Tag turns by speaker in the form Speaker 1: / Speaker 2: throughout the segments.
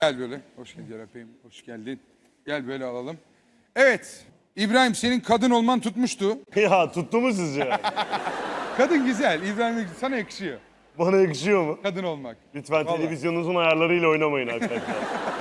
Speaker 1: Gel böyle. Hoş geldin öpeyim. Hoş geldin. Gel böyle alalım. Evet. İbrahim senin kadın olman tutmuştu.
Speaker 2: Ya tuttu mu sizce?
Speaker 1: Kadın güzel. İbrahim sana yakışıyor.
Speaker 2: Bana yakışıyor mu?
Speaker 1: Kadın olmak.
Speaker 2: Lütfen
Speaker 1: Vallahi.
Speaker 2: televizyonunuzun ayarlarıyla oynamayın arkadaşlar.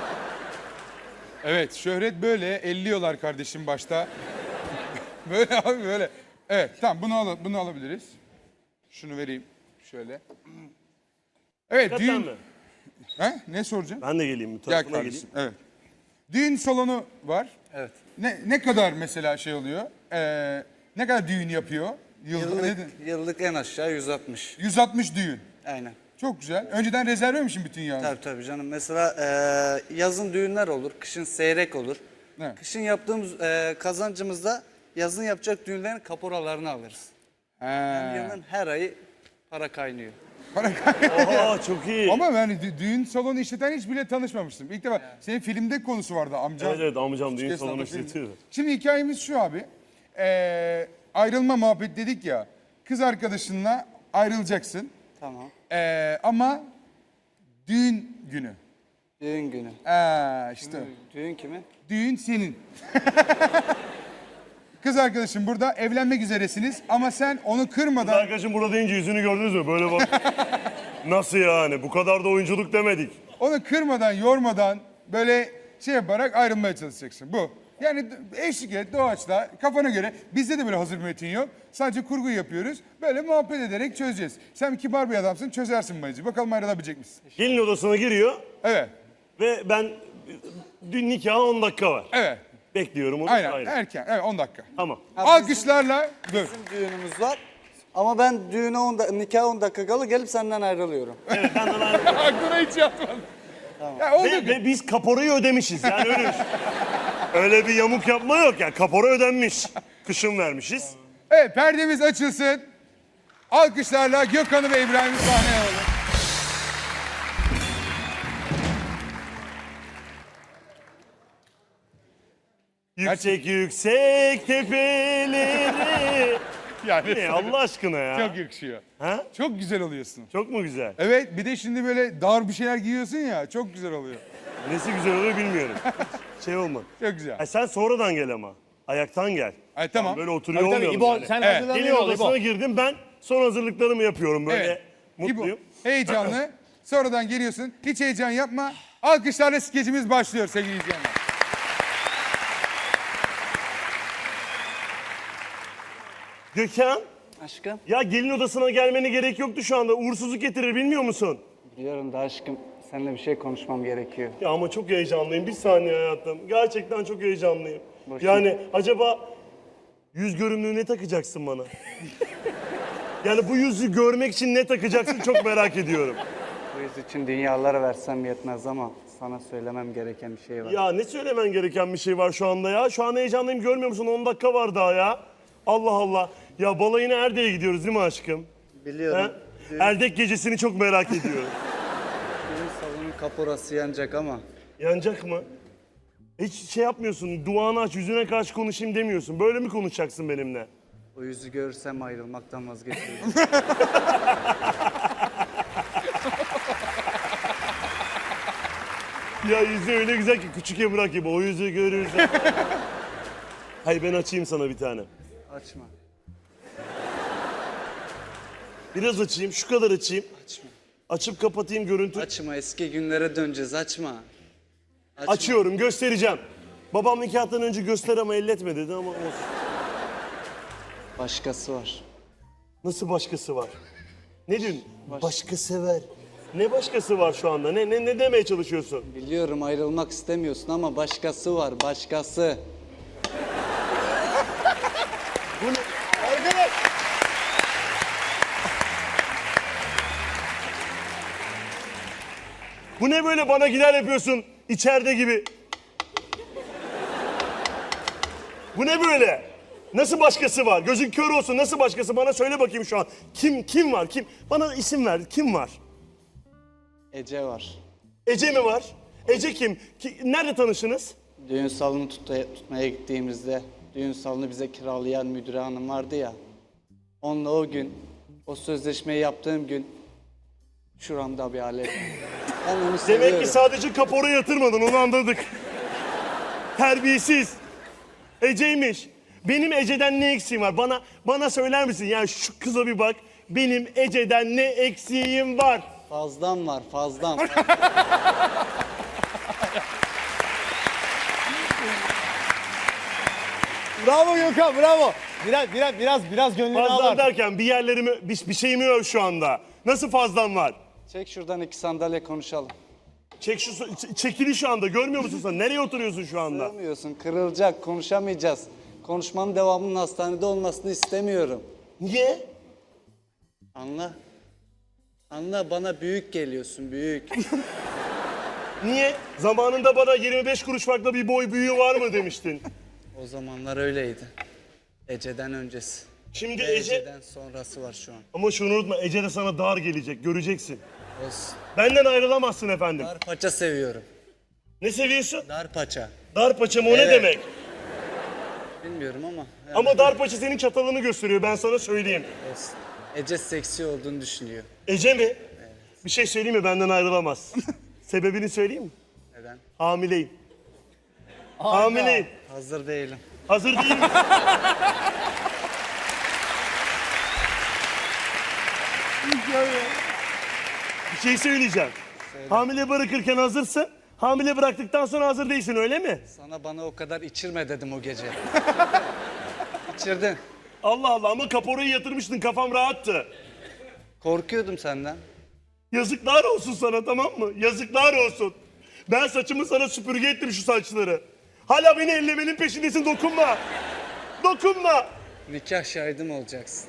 Speaker 1: Evet şöhret böyle elliyorlar kardeşim başta. Böyle abi böyle. Evet tamam bunu alabiliriz. Şunu vereyim şöyle. Evet
Speaker 2: Hakikaten
Speaker 1: düğün.
Speaker 2: mi?
Speaker 1: He? Ne soracağım?
Speaker 2: Ben de geleyim bu
Speaker 1: Gel
Speaker 2: tarafına
Speaker 1: kardeşim.
Speaker 2: geleyim.
Speaker 1: Evet. Düğün salonu var.
Speaker 3: Evet.
Speaker 1: Ne kadar mesela şey oluyor? Ne kadar düğün yapıyor?
Speaker 3: Yıllık en aşağı 160.
Speaker 1: 160 düğün.
Speaker 3: Aynen.
Speaker 1: Çok güzel. Önceden rezerve misin bütün yağını?
Speaker 3: Tabii canım. Mesela yazın düğünler olur, kışın seyrek olur.
Speaker 1: Evet.
Speaker 3: Kışın yaptığımız kazancımızda yazın yapacak düğünlerin kaporalarını alırız. Yani yılın her ayı para kaynıyor.
Speaker 1: Para
Speaker 2: Oha çok iyi.
Speaker 1: Ama ben düğün salonu işleten hiç bile tanışmamıştım. İlk defa senin filmde konusu vardı amcam.
Speaker 2: Evet amcam düğün
Speaker 1: Esnafta
Speaker 2: salonu
Speaker 1: film.
Speaker 2: işletiyor.
Speaker 1: Şimdi hikayemiz şu abi. Ayrılma muhabbet dedik ya. Kız arkadaşınla ayrılacaksın.
Speaker 3: Tamam.
Speaker 1: Ama düğün günü.
Speaker 3: Düğün günü.
Speaker 1: İşte
Speaker 3: Düğün kimin?
Speaker 1: düğün senin. Kız arkadaşın burada evlenmek üzeresiniz ama sen onu kırmadan...
Speaker 2: Arkadaşım burada deyince yüzünü gördünüz mü? Böyle bak. Nasıl yani? Bu kadar da oyunculuk demedik.
Speaker 1: Onu kırmadan, yormadan böyle şey yaparak ayrılmaya çalışacaksın. Bu. Yani eşlik et, doğaçla, kafana göre. Bizde de böyle hazır metin yok. Sadece kurgu yapıyoruz. Böyle muhabbet ederek çözeceğiz. Sen kibar bir adamsın, çözersin bacı. Bakalım ayrılabilecek misin?
Speaker 2: Gelin odasına giriyor
Speaker 1: Evet,
Speaker 2: ve ben dün nikaha 10 dakika var.
Speaker 1: evet.
Speaker 2: Bekliyorum onu.
Speaker 1: Aynen,
Speaker 2: Aynen.
Speaker 1: erken. Evet, 10 dakika.
Speaker 2: Tamam.
Speaker 1: Alkışlarla, dur.
Speaker 3: Bizim düğünümüz var. Ama ben nikaha 10 dakika kala gelip senden ayrılıyorum.
Speaker 2: Evet benden ayrı.
Speaker 1: Aklına hiç yatmadı. Ya oldu.
Speaker 2: Ve biz kaporayı ödemişiz. Yani öyle bir yamuk yapma yok ya. Kapora ödenmiş. Kışın vermişiz.
Speaker 1: Evet, perdemiz açılsın. Alkışlarla Gökhan'ı ve İbrahim'i sahneye alalım.
Speaker 2: Yüksek yüksek tepeleri.
Speaker 1: Yani
Speaker 2: Ne Allah aşkına ya.
Speaker 1: çok yakışıyor.
Speaker 2: Ha?
Speaker 1: Çok güzel oluyorsun.
Speaker 2: Çok mu güzel?
Speaker 1: Evet, bir de şimdi böyle dar bir şeyler giyiyorsun ya, çok güzel oluyor.
Speaker 2: Nesi güzel oluyor bilmiyorum. Şey olma.
Speaker 1: Çok güzel.
Speaker 2: Ay sen sonradan gel ama. Ayaktan gel.
Speaker 1: Ay tamam.
Speaker 2: Böyle oturuyor
Speaker 4: Tabii tabii
Speaker 2: olmayalım
Speaker 4: İbo
Speaker 2: yani.
Speaker 4: sen
Speaker 1: Evet.
Speaker 4: hazırlanıyor
Speaker 2: Gelin
Speaker 4: ol
Speaker 2: odasına
Speaker 4: İbo.
Speaker 2: girdim ben son hazırlıklarımı yapıyorum böyle.
Speaker 1: Evet.
Speaker 2: Mutluyum.
Speaker 1: İbo, heyecanlı. Sonradan geliyorsun. Hiç heyecan yapma. Alkışlarla skecimiz başlıyor sevgili izleyenler.
Speaker 2: Gökhan
Speaker 3: Aşkım.
Speaker 2: ya gelin odasına gelmene gerek yoktu şu anda. Uğursuzluk getirir bilmiyor musun?
Speaker 3: Biliyorum da aşkım. Seninle bir şey konuşmam gerekiyor.
Speaker 2: Ya ama çok heyecanlıyım. Bir saniye hayatım. Gerçekten çok heyecanlıyım.
Speaker 3: Boş
Speaker 2: Yani acaba yüz görümlüğü ne takacaksın bana? Yani bu yüzü görmek için ne takacaksın çok merak ediyorum.
Speaker 3: Bu yüz için dünyaları versem yetmez ama sana söylemem gereken bir şey var.
Speaker 2: Ya ne söylemen gereken bir şey var şu anda ya? Şu an heyecanlıyım görmüyor musun? 10 dakika var daha ya. Allah Allah. Ya balayına Erdek'e gidiyoruz değil mi aşkım?
Speaker 3: Biliyorum.
Speaker 2: Ha? Erdek gecesini çok merak ediyorum.
Speaker 3: Düğün salonun kaporası yanacak ama.
Speaker 2: Yanacak mı? Hiç şey yapmıyorsun. Duanı aç, yüzüne karşı konuşayım demiyorsun. Böyle mi konuşacaksın benimle?
Speaker 3: O yüzü görürsem ayrılmaktan vazgeçerim.
Speaker 2: Ya yüzü öyle güzel ki küçük Emrah gibi. O yüzü görürsen. Hayır ben açayım sana bir tane.
Speaker 3: Açma.
Speaker 2: Biraz açayım, şu kadar açayım.
Speaker 3: Açma.
Speaker 2: Açıp kapatayım görüntü.
Speaker 3: Açma. Eski günlere döneceğiz. Açma. Açma.
Speaker 2: Açıyorum, göstereceğim. Babam nikahtan önce göster ama elletme dedi ama olsun.
Speaker 3: Başkası var.
Speaker 2: Nasıl başkası var? Ne diyorsun? Başkası var. Ne başkası var şu anda? Ne demeye çalışıyorsun?
Speaker 3: Biliyorum ayrılmak istemiyorsun ama başkası var. Başkası.
Speaker 2: Bu ne? Arkadaş! Bu ne böyle bana gider yapıyorsun içeride gibi? Bu ne böyle? Nasıl başkası var? Gözün kör olsun nasıl başkası? Bana söyle bakayım şu an. Kim var? Kim? Bana isim ver. Kim var?
Speaker 3: Ece var.
Speaker 2: Ece mi var? Ece kim? Nerede tanıştınız?
Speaker 3: Düğün salonu tutmaya gittiğimizde düğün salonu bize kiralayan müdüre hanım vardı ya. Onunla o gün, o sözleşmeyi yaptığım gün Şuramda bir alet. Ben onu
Speaker 2: Demek
Speaker 3: seviyorum.
Speaker 2: ki sadece kapora yatırmadın, onu anladık. Terbiyesiz. Ece'ymiş. Benim Ece'den ne eksiğim var? Bana söyler misin? Yani şu kıza bir bak. Benim Ece'den ne eksiğim var?
Speaker 3: Fazlam var, fazlam.
Speaker 4: Bravo Gökhan, bravo. Biraz gönlünü
Speaker 2: Fazlan
Speaker 4: al.
Speaker 2: derken bir yerlerimi, bir şeyimi öv şu anda. Nasıl fazlan var?
Speaker 3: Çek şuradan 2 sandalye konuşalım.
Speaker 2: Çekili şu anda, görmüyor musun sen? Nereye oturuyorsun şu anda?
Speaker 3: Sığmıyorsun, kırılacak, konuşamayacağız. Konuşmanın devamının hastanede olmasını istemiyorum.
Speaker 2: Niye?
Speaker 3: Anla. Anla, bana büyük geliyorsun, büyük.
Speaker 2: Niye? Zamanında bana 25 kuruş farklı bir boy büyüğü var mı demiştin.
Speaker 3: O zamanlar öyleydi. Ece'den öncesi.
Speaker 2: Şimdi
Speaker 3: Ve
Speaker 2: Ece...
Speaker 3: Ece'den sonrası var şu an.
Speaker 2: Ama şunu unutma, Ece de sana dar gelecek, göreceksin.
Speaker 3: Olsun.
Speaker 2: Benden ayrılamazsın efendim.
Speaker 3: Dar paça seviyorum.
Speaker 2: Ne seviyorsun?
Speaker 3: Dar paça.
Speaker 2: Dar paça mı, o ne
Speaker 3: Evet.
Speaker 2: demek?
Speaker 3: Bilmiyorum ama. Yani
Speaker 2: Ama dar paça senin çatalını gösteriyor, ben sana söyleyeyim.
Speaker 3: olsun. Ece seksi olduğunu düşünüyor.
Speaker 2: Ece mi? Bir şey söyleyeyim mi, benden ayrılamaz. Sebebini söyleyeyim mi?
Speaker 3: Neden?
Speaker 2: Hamileyim. Hamileyim.
Speaker 3: Hazır değilim.
Speaker 2: Hazır değil mi? Bir şey söyleyeceğim. Hamile bırakırken hazırsın. Hamile bıraktıktan sonra hazır değilsin, öyle mi?
Speaker 3: Sana bana o kadar içirme dedim o gece. İçirdin.
Speaker 2: Allah Allah, ama kaporayı yatırmıştın, kafam rahattı.
Speaker 3: Korkuyordum senden.
Speaker 2: Yazıklar olsun sana, tamam mı? Yazıklar olsun. Ben saçımı sana süpürge ettim, şu saçları. Hala beni ellemenin peşindesin, dokunma. Dokunma.
Speaker 3: Nikah şahidim olacaksın.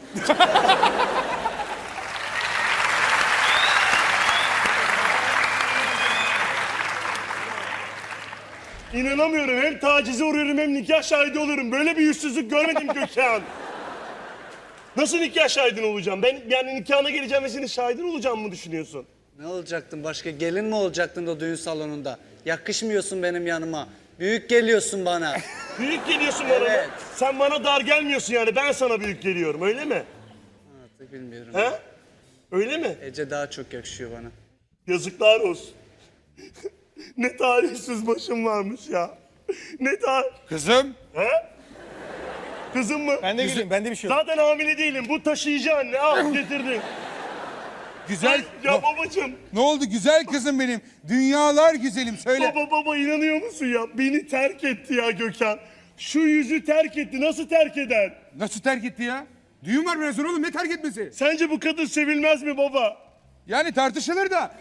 Speaker 2: İnanamıyorum, hem tacize uğruyorum hem nikah şahidi oluyorum. Böyle bir yüzsüzlük görmedim Gökhan. Nasıl nikah şahidin olacağım? Ben yani nikahına geleceğim ve senin şahidin olacağım mı düşünüyorsun?
Speaker 3: Ne olacaktın? Başka gelin mi olacaktın o düğün salonunda? Yakışmıyorsun benim yanıma. Büyük geliyorsun bana.
Speaker 2: Büyük geliyorsun bana.
Speaker 3: Evet.
Speaker 2: Sen bana dar gelmiyorsun yani, ben sana büyük geliyorum, öyle mi?
Speaker 3: Artık bilmiyorum.
Speaker 2: He? Öyle mi?
Speaker 3: Ece daha çok yakışıyor bana.
Speaker 2: Yazıklar olsun. Ne talihsiz başım varmış ya. Ne
Speaker 1: Kızım.
Speaker 2: He? Kızım mı?
Speaker 4: Ben de güleyim, bende bir şey yok.
Speaker 2: Zaten hamile değilim. Bu taşıyıcı anne. Al getirdin.
Speaker 1: Güzel.
Speaker 2: Ya babacığım.
Speaker 1: Ne oldu güzel kızım benim? Dünyalar güzelim söyle.
Speaker 2: Baba inanıyor musun ya? Beni terk etti ya Gökhan. Şu yüzü terk etti. Nasıl terk eder?
Speaker 1: Nasıl terk etti ya? Düğün var biraz sonra oğlum, ne terk etmesi?
Speaker 2: Sence bu kadın sevilmez mi baba?
Speaker 1: Yani tartışılır da.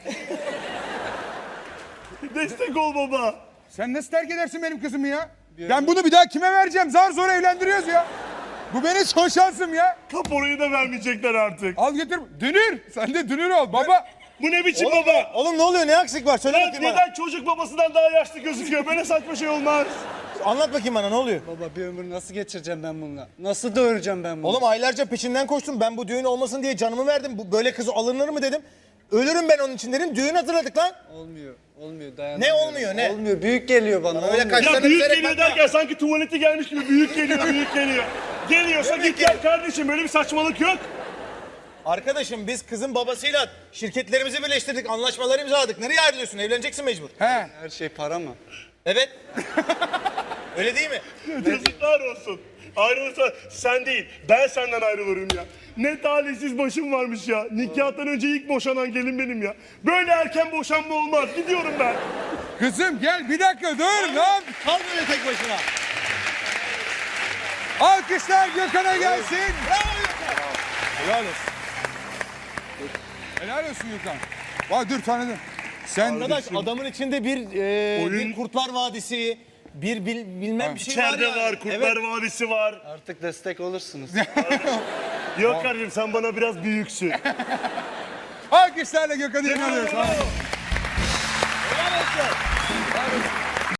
Speaker 2: Destek ol baba.
Speaker 1: Sen nasıl terk edersin benim kızımı ya? Ben bunu bir daha kime vereceğim? Zar zor evlendiriyoruz ya. Bu benim son şansım ya.
Speaker 2: Kaporayı da vermeyecekler artık.
Speaker 1: Al getir. Dünür. Sen de dünür ol baba.
Speaker 2: Bu ne biçim baba?
Speaker 4: Oğlum ne oluyor? Ne aksik var? Söyle bakayım bana.
Speaker 2: Neden çocuk babasından daha yaşlı gözüküyor? Böyle saçma şey olmaz.
Speaker 4: Anlat bakayım bana, ne oluyor?
Speaker 3: Baba bir ömür nasıl geçireceğim ben bununla? Nasıl doyuracağım ben bunu?
Speaker 4: Oğlum aylarca peşinden koştum. Ben bu düğün olmasın diye canımı verdim. Bu böyle kız alınır mı dedim. Ölürüm ben onun için dedim. Düğün hazırladık lan.
Speaker 3: Olmuyor. Olmuyor, dayanamıyorum.
Speaker 4: Ne olmuyor, ne?
Speaker 3: Olmuyor. Büyük geliyor bana.
Speaker 4: öyle
Speaker 3: olmuyor.
Speaker 4: kaç-
Speaker 2: Ya
Speaker 4: Sana
Speaker 2: büyük
Speaker 4: bilerek
Speaker 2: geliyor
Speaker 4: bakma.
Speaker 2: derken sanki tuvaleti gelmiş gibi büyük geliyor, büyük geliyor. Geliyorsa
Speaker 4: Demek
Speaker 2: git gel
Speaker 4: ki-
Speaker 2: kardeşim, böyle bir saçmalık yok.
Speaker 4: Arkadaşım biz kızın babasıyla şirketlerimizi birleştirdik. Anlaşmalar imzaladık. Nereye ayrılıyorsun? Evleneceksin mecbur.
Speaker 1: He.
Speaker 3: Her şey para mı?
Speaker 4: Evet. Öyle değil mi?
Speaker 2: Yazıklar olsun. Ayrılırsa sen değil, ben senden ayrılırım ya. Ne talihsiz başım varmış ya. Nikahtan önce ilk boşanan gelin benim ya. Böyle erken boşanma olmaz. Gidiyorum ben.
Speaker 1: Kızım gel bir dakika dur lan.
Speaker 4: Kal böyle tek başına.
Speaker 1: Alkışlar Gökhan'a gelsin.
Speaker 4: Helal olsun.
Speaker 1: Helal olsun Gökhan. Vay dur tanıdım. Sen
Speaker 4: Arkadaş adamın içinde bir
Speaker 2: Oyun-
Speaker 4: Kurtlar Vadisi, bilmem bir şey
Speaker 2: İçeride
Speaker 4: var.
Speaker 2: var,
Speaker 4: yani.
Speaker 2: Kurtlar Vadisi var.
Speaker 3: Artık destek olursunuz.
Speaker 2: Yok kardeşim, sen bana biraz büyüksün.
Speaker 1: alkışlarla Gökhan'ı inanıyoruz.
Speaker 2: Bravo.
Speaker 4: Helal olsun.